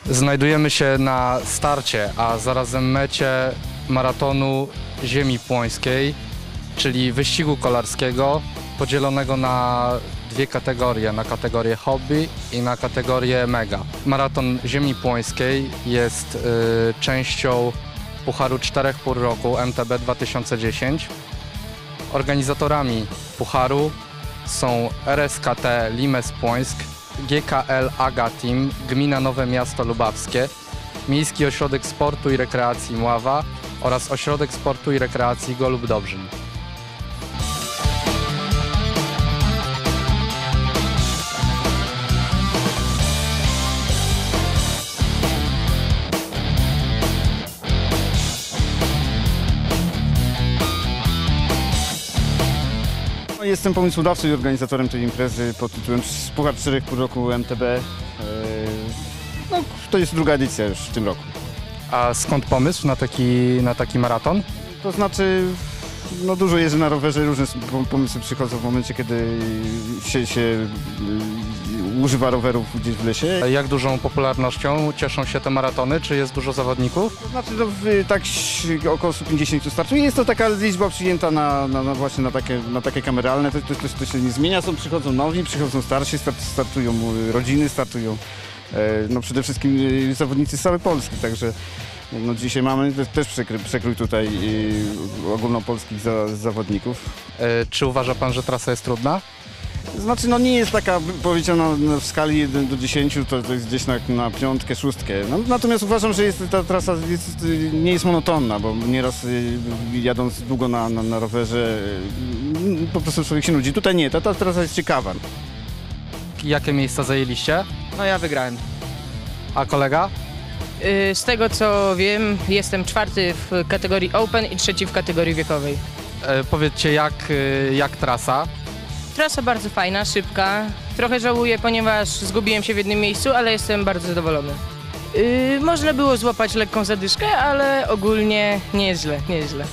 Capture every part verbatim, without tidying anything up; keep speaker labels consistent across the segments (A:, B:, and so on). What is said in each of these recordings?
A: Znajdujemy się na starcie, a zarazem mecie maratonu Ziemi Płońskiej, czyli wyścigu kolarskiego podzielonego na dwie kategorie, na kategorię hobby i na kategorię mega. Maraton Ziemi Płońskiej jest y, częścią Pucharu czterech Pór Roku M T B dwa tysiące dziesięć. Organizatorami Pucharu są R S K T Limes Płońsk, G K L Aga Team, Gmina Nowe Miasto Lubawskie, Miejski Ośrodek Sportu i Rekreacji Mława oraz Ośrodek Sportu i Rekreacji Golub Dobrzyn.
B: Jestem pomysłodawcą i organizatorem tej imprezy pod tytułem Puchar czterech Pół Roku M T B. No, to jest druga edycja już w tym roku.
A: A skąd pomysł na taki, na taki maraton?
B: To znaczy, no dużo jeżdżę na rowerze, różne pomysły przychodzą w momencie, kiedy się, się używa rowerów gdzieś w lesie.
A: Jak dużą popularnością cieszą się te maratony? Czy jest dużo zawodników?
B: To znaczy, no, tak około stu pięćdziesięciu startuje. Jest to taka liczba przyjęta na, na, na właśnie na takie, na takie kameralne. To, to, to, to się nie zmienia. Są, przychodzą nowi, przychodzą starsi, start, startują rodziny, startują no, przede wszystkim zawodnicy z całej Polski. Także no, dzisiaj mamy też przekrój, przekrój tutaj ogólnopolskich za, zawodników.
A: Yy, czy uważa pan, że trasa jest trudna?
B: Znaczy, no nie jest taka, powiedziana w skali jeden do dziesięciu, to, to jest gdzieś na, na piątkę, szóstkę. No, natomiast uważam, że jest, ta trasa jest, nie jest monotonna, bo nieraz jadąc długo na, na, na rowerze po prostu człowiek się nudzi. Tutaj nie, ta, ta trasa jest ciekawa.
A: Jakie miejsca zajęliście?
C: No ja wygrałem.
A: A kolega?
C: Z tego co wiem, jestem czwarty w kategorii Open i trzeci w kategorii wiekowej.
A: Yy, powiedzcie, jak, yy, jak trasa?
C: Trasa bardzo fajna, szybka. Trochę żałuję, ponieważ zgubiłem się w jednym miejscu, ale jestem bardzo zadowolony. Yy, można było złapać lekką zadyszkę, ale ogólnie nie jest źle, nie jest źle.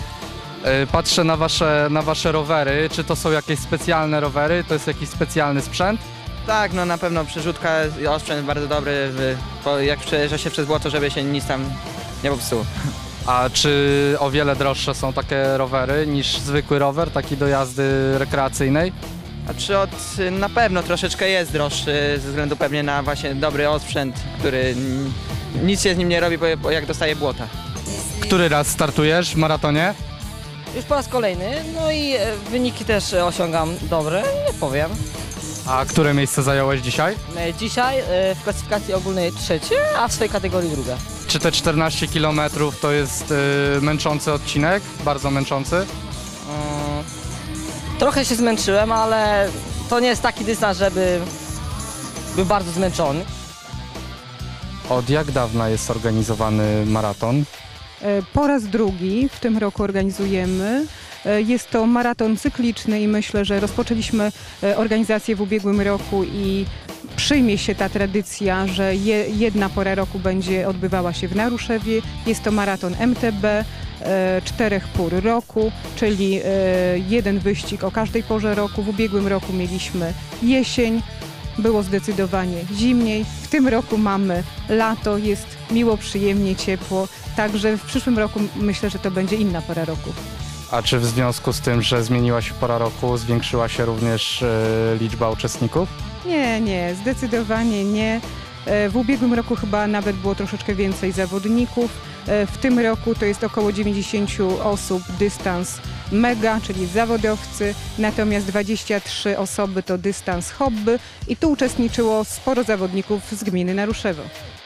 A: Yy, patrzę na wasze, na wasze rowery. Czy to są jakieś specjalne rowery? To jest jakiś specjalny sprzęt?
D: Tak, no na pewno przerzutka, osprzęt bardzo dobry, w, po, jak przejeżdża się przez błoto, żeby się nic tam nie popsuło.
A: A czy o wiele droższe są takie rowery niż zwykły rower, taki do jazdy rekreacyjnej?
D: Znaczy od, na pewno troszeczkę jest droższy, ze względu pewnie na właśnie dobry osprzęt, który nic się z nim nie robi, bo, bo jak dostaje błota.
A: Który raz startujesz w maratonie?
E: Już po raz kolejny, no i wyniki też osiągam dobre, nie powiem.
A: A które miejsce zająłeś dzisiaj?
E: Dzisiaj w klasyfikacji ogólnej trzecie, a w swojej kategorii druga.
A: Czy te czternaście kilometrów to jest y, męczący odcinek? Bardzo męczący?
E: Hmm, trochę się zmęczyłem, ale to nie jest taki dystans, żeby był bardzo zmęczony.
A: Od jak dawna jest organizowany maraton?
F: Po raz drugi w tym roku organizujemy. Jest to maraton cykliczny i myślę, że rozpoczęliśmy organizację w ubiegłym roku i przyjmie się ta tradycja, że je, jedna pora roku będzie odbywała się w Naruszewie. Jest to maraton M T B e, czterech pór roku, czyli e, jeden wyścig o każdej porze roku. W ubiegłym roku mieliśmy jesień, było zdecydowanie zimniej. W tym roku mamy lato, jest miło, przyjemnie, ciepło. Także w przyszłym roku myślę, że to będzie inna pora roku.
A: A czy w związku z tym, że zmieniła się pora roku, zwiększyła się również y, liczba uczestników?
F: Nie, nie, zdecydowanie nie. W ubiegłym roku chyba nawet było troszeczkę więcej zawodników. W tym roku to jest około dziewięćdziesiąt osób, dystans mega, czyli zawodowcy, natomiast dwadzieścia trzy osoby to dystans hobby i tu uczestniczyło sporo zawodników z gminy Naruszewo.